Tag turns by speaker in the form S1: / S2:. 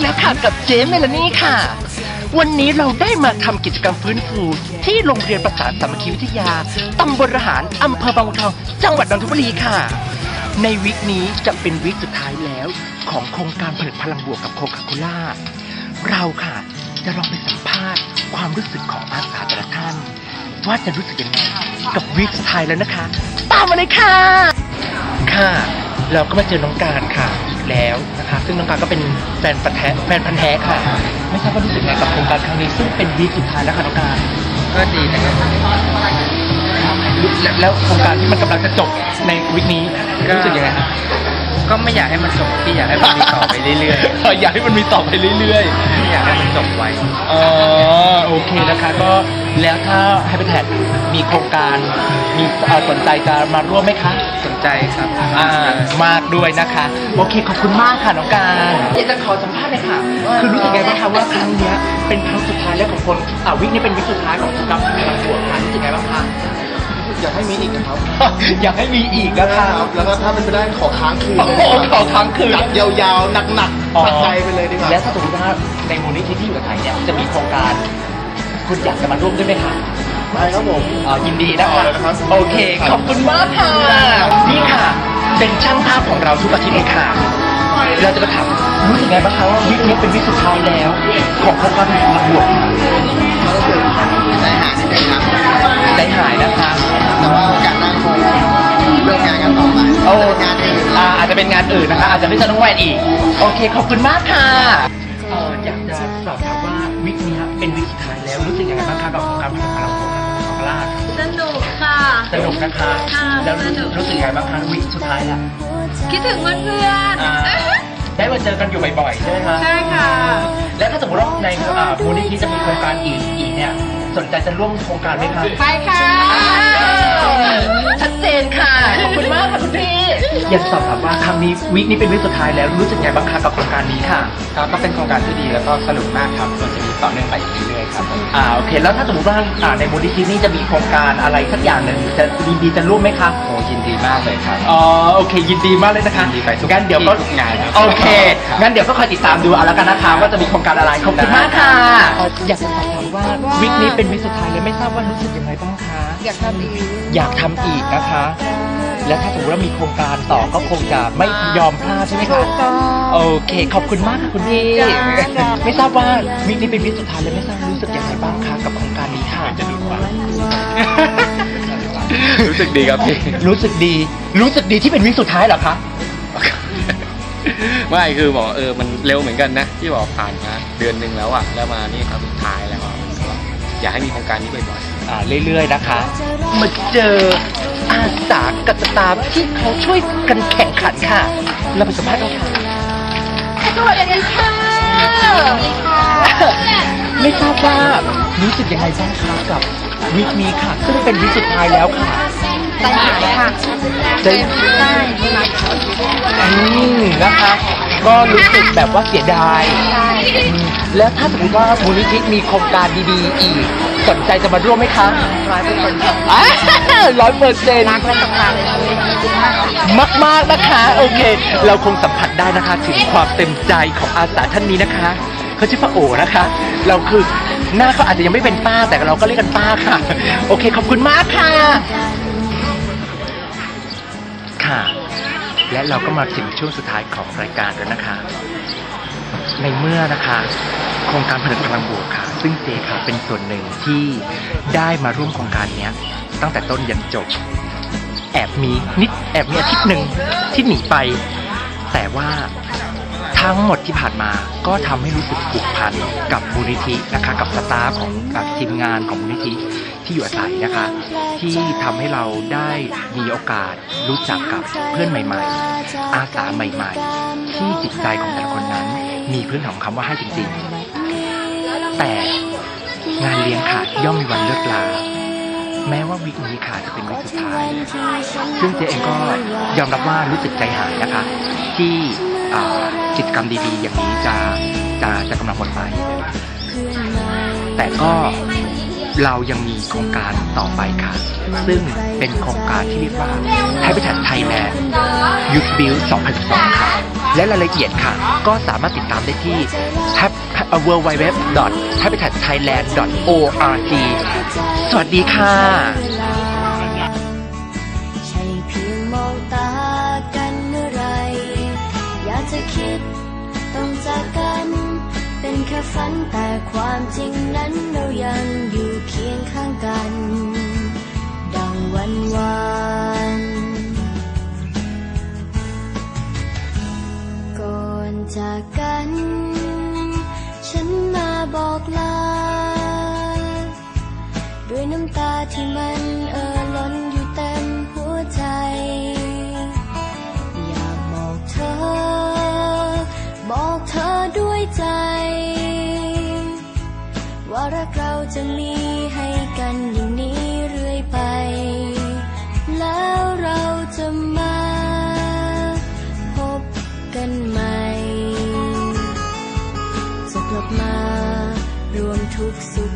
S1: แล้วค่ะกับเจ๊เมลานี่ค่ะวันนี้เราได้มาทำกิจกรรมฟื้นฟูที่โรงเรียนประสานสามัคคีวิทยาตำบลระหารอำเภอบางบัวทองจังหวัดนนทบุรีค่ะในวีคนี้จะเป็นวีคสุดท้ายแล้วของโครงการผลิตพลังบวกกับโคคาโคล่าเราค่ะจะลองไปสัมภาษณ์ความรู้สึกของอาสาแต่ละท่านว่าจะรู้สึกยังไงกับวีคสุดท้ายแล้วนะคะตามมาเลยค่ะค่ะเราก็มาเจอน้องการค่ะแล้วนะคะซึ่งน้องการก็เป็นแฟนพันธุ์แท้ค่ะไม่ทราบว่ารู้สึกไงกับโครงการครั้งนี้ซึ่งเป็นวีคสุดท้ายแล้วค่ะน้องการ
S2: ก็ดีนะครับ
S1: แล้วโครงการที่มันกำลังจะจบในวีคนี้รู้สึกยังไง
S2: ก็ไม่อยากให้มันจบพี่อยากให้มันมีต่อไปเรื่อย
S1: ๆอยากให้มันมีต่อไปเรื่อย
S2: ๆไม่อยากให้มันจบไว
S1: โอเคนะคะก็แล้วถ้าให้ไปแทนมีโครงการมีสนใจจะมาร่วมไหมคะ
S2: สนใจครับ
S1: มากด้วยนะคะโอเคขอบคุณมากค่ะน้องการอยากจะขอสัมภาษณ์เลยค่ะคือรู้สึกไงบ้างคะว่าครั้งนี้เป็นครั้งสุดท้ายแล้วของคนวิกนี้เป็นวิกสุดท้ายของกับพลังบวกค่ะรู้สึกไงบ้างคะ
S3: อยากให้มีอีกนะครับ
S1: อยากให้มีอีกนะครับ
S3: แล้วก็ถ้าเป็นไปได้ขอค้างคืน
S1: ขอค้างคืน
S3: จัดยาวๆหนักๆปัดใจไปเลยดีกว่า
S1: แล้วถ้าสมมติว่าในมูลนิธิที่อยู่กับไทยเนี่ยจะมีโครงการคุณอยากจะมาร่วมด้วยไหมคะ
S3: ได้ครับผม
S1: ยินดีนะคะโอเคขอบคุณมากค่ะนี่ค่ะเป็นช่างภาพของเราทุกอาทิตย์เลยค่ะเราจะมาถามรู้สึกไงบ้างคะว่าวิกนี้เป็นวิกสุดท้ายแล้วของโครงการพลังบวก
S3: ได้หายนะครับ
S1: ได้หายนะคะ
S3: แต่ว่าโอกาสหน้าคงเลิกงานกันต่อไปงานอื่น
S1: อาจจะเป็นงานอื่นนะคะอาจจะไม่ใช่น้องแวนอีกโอเคขอบคุณมากค่ะอยากจะสอบถามว่าวิกนี้เป็นวิกสุดท้ายแล้วรู้สึกยังไงบ้างคะกับโครงการพลังบวกของพลาด
S4: สนุกค่ะ
S1: สนุกนะคะแล้วรู้สึกยังไงบ้างคะวิกสุดท้ายแล้ว
S4: คิดถึงเพื่อน
S1: ได้มาเจอกันอยู่บ่อยๆใช่ไหมคะ
S4: ใช่ค่ะ
S1: แล้วถ้าสมมติว่าในมูลนิธิจะมีโครงการอีกเนี่ยสนใจจะร่วมโครงการไหมคะ
S4: ไปค่ะ
S1: ชัดเจนค่ะขอบคุณมากค่ะคุณพี่อยากสอบถามว่าครั้งนี้วีคนี้เป็นวีคสุดท้ายแล้วรู้สึกไงบ้างคะกับโครงการนี้ค่ะ
S2: ก็เป็นโครงการที่ดีแล้วก็สนุกมากครับควรจะมีต่อเนื่องไปเรื่อยๆครับ
S1: โอเคแล้วถ้าสมมติว่าในมูลนิธินี้จะมีโครงการอะไรสักอย่างหนึ่งจะดีจะร่วมไหมคะ
S2: โอ้ยินดีมากเลยครับ
S1: โอเคยินดีมากเลยนะคะ
S2: ยินดีไป
S1: งั้นเดี๋ยวก็
S2: งาน
S1: โอเคงั้นเดี๋ยวก็คอยติดตามดูเอาละกันนะคะว่าจะมีโครงการอะไรขอบคุณมากค่ะอยากจะสอบถามว่าวีคนี้เป็นวีคสุดท้ายเลยไม่ทราบว่ารู้สึกยังไงบ้างคะ
S4: อยากทำ
S1: อีกนะคะและถ้าสมมติว่ามีโครงการต่อก็คงจะไม่ยอมพลาดใช่ไหมคะโอเคขอบคุณมากค่ะคุณพี่ไม่ทราบว่าวีคนี้เป็นวีคสุดท้ายเลยไม่ทราบรู้สึกยังไงบ้างคะกับโครงการนี้ค่ะ
S2: รู้สึกดีครับพี่
S1: รู้สึกดีที่เป็นวีคสุดท้ายเหรอคะ
S2: ไม่คือบอกมันเร็วเหมือนกันนะที่บอกผ่านมาเดือนนึงแล้วแล้วมานี่ครั้งสุดท้ายแล้วอยากให้มีโครงการนี้บ่อย
S1: ๆเรื่อยๆนะคะมาเจออาสากับสตาฟที่เขาช่วยกันแข่งขันค่ะเราไปสัมภาษณ์กันค่ะสวัสดีค่ะไม่ทราบว่ารู้สึกยังไงบ้างคะกับวีคนี้ค่ะซึ่งเป็นวีคสุดท้ายแล้วค่ะ
S4: ใจหายค่ะ
S1: ใจนะคะก็รู้สึกแบบว่าเสียดายแล้วถ้าสมมติว่ามูลนิธิมีโครงการดีๆอีกสนใจจะมาร่วมไหมคะ100%
S4: รักและศรัทธาเลย
S1: มากๆนะคะโอเคเราคงสัมผัสได้นะคะถึงความเต็มใจของอาสาท่านนี้นะคะเขาชื่อป้าโอนะคะเราคือหน้าเขาอาจจะยังไม่เป็นป้าแต่เราก็เรียกกันป้าค่ะโอเคขอบคุณมากค่ะค่ะและเราก็มาถึงช่วงสุดท้ายของรายการแล้วนะคะในเมื่อนะคะโครงการผลิตพลังบวกค่ะซึ่งเจค่ะเป็นส่วนหนึ่งที่ได้มาร่วมโครงการนี้ตั้งแต่ต้นยันจบแอบมีอาทิตย์หนึ่งที่หนีไปแต่ว่าทั้งหมดที่ผ่านมาก็ทำให้รู้สึกผูกพันกับมูลนิธินะคะกับสตาฟของทีมงานของมูลนิธิที่อยู่อาศัยนะคะที่ทำให้เราได้มีโอกาสรู้จักกับเพื่อนใหม่ๆอาสาใหม่ๆที่จิตใจของแต่ละคนนั้นมีพื้นฐานของคำว่าให้จริงๆแต่งานเลี้ยงค่ะย่อมมีวันเลิกลาแม้ว่าวีคนี้ค่ะจะเป็นวีคสุดท้ายซึ่งเจ๊เองก็ยอมรับว่ารู้สึกใจหายนะคะที่กิจกรรมดีๆอย่างนี้จะกำลังหมดไปแต่ก็เรายังมีโครงการต่อไปค่ะซึ่งเป็นโครงการที่เรียกว่า Habitat Thailand Youth Build 2012 ค่ะและรายละเอียดค่ะก็สามารถติดตามได้ที่ www.habitatthailand.org สวัสดีค่ะ
S5: ใช่เพียงมองตากันเมื่อไรอยากจะคิดต้องจากกันเป็นแค่ฝันแต่ความจริงนั้นเรายังอยู่เคียงข้างกันดังวันวานก่อนจากกันฉันมาบอกลาด้วยน้ำตาที่มันล้นอยู่เต็มหัวใจอยากบอกเธอด้วยใจว่ารักเราจะมีให้กันอย่างนี้เรื่อยไปแล้วเราจะมาพบกันใหม่จะกลับมารวมทุกข์สุข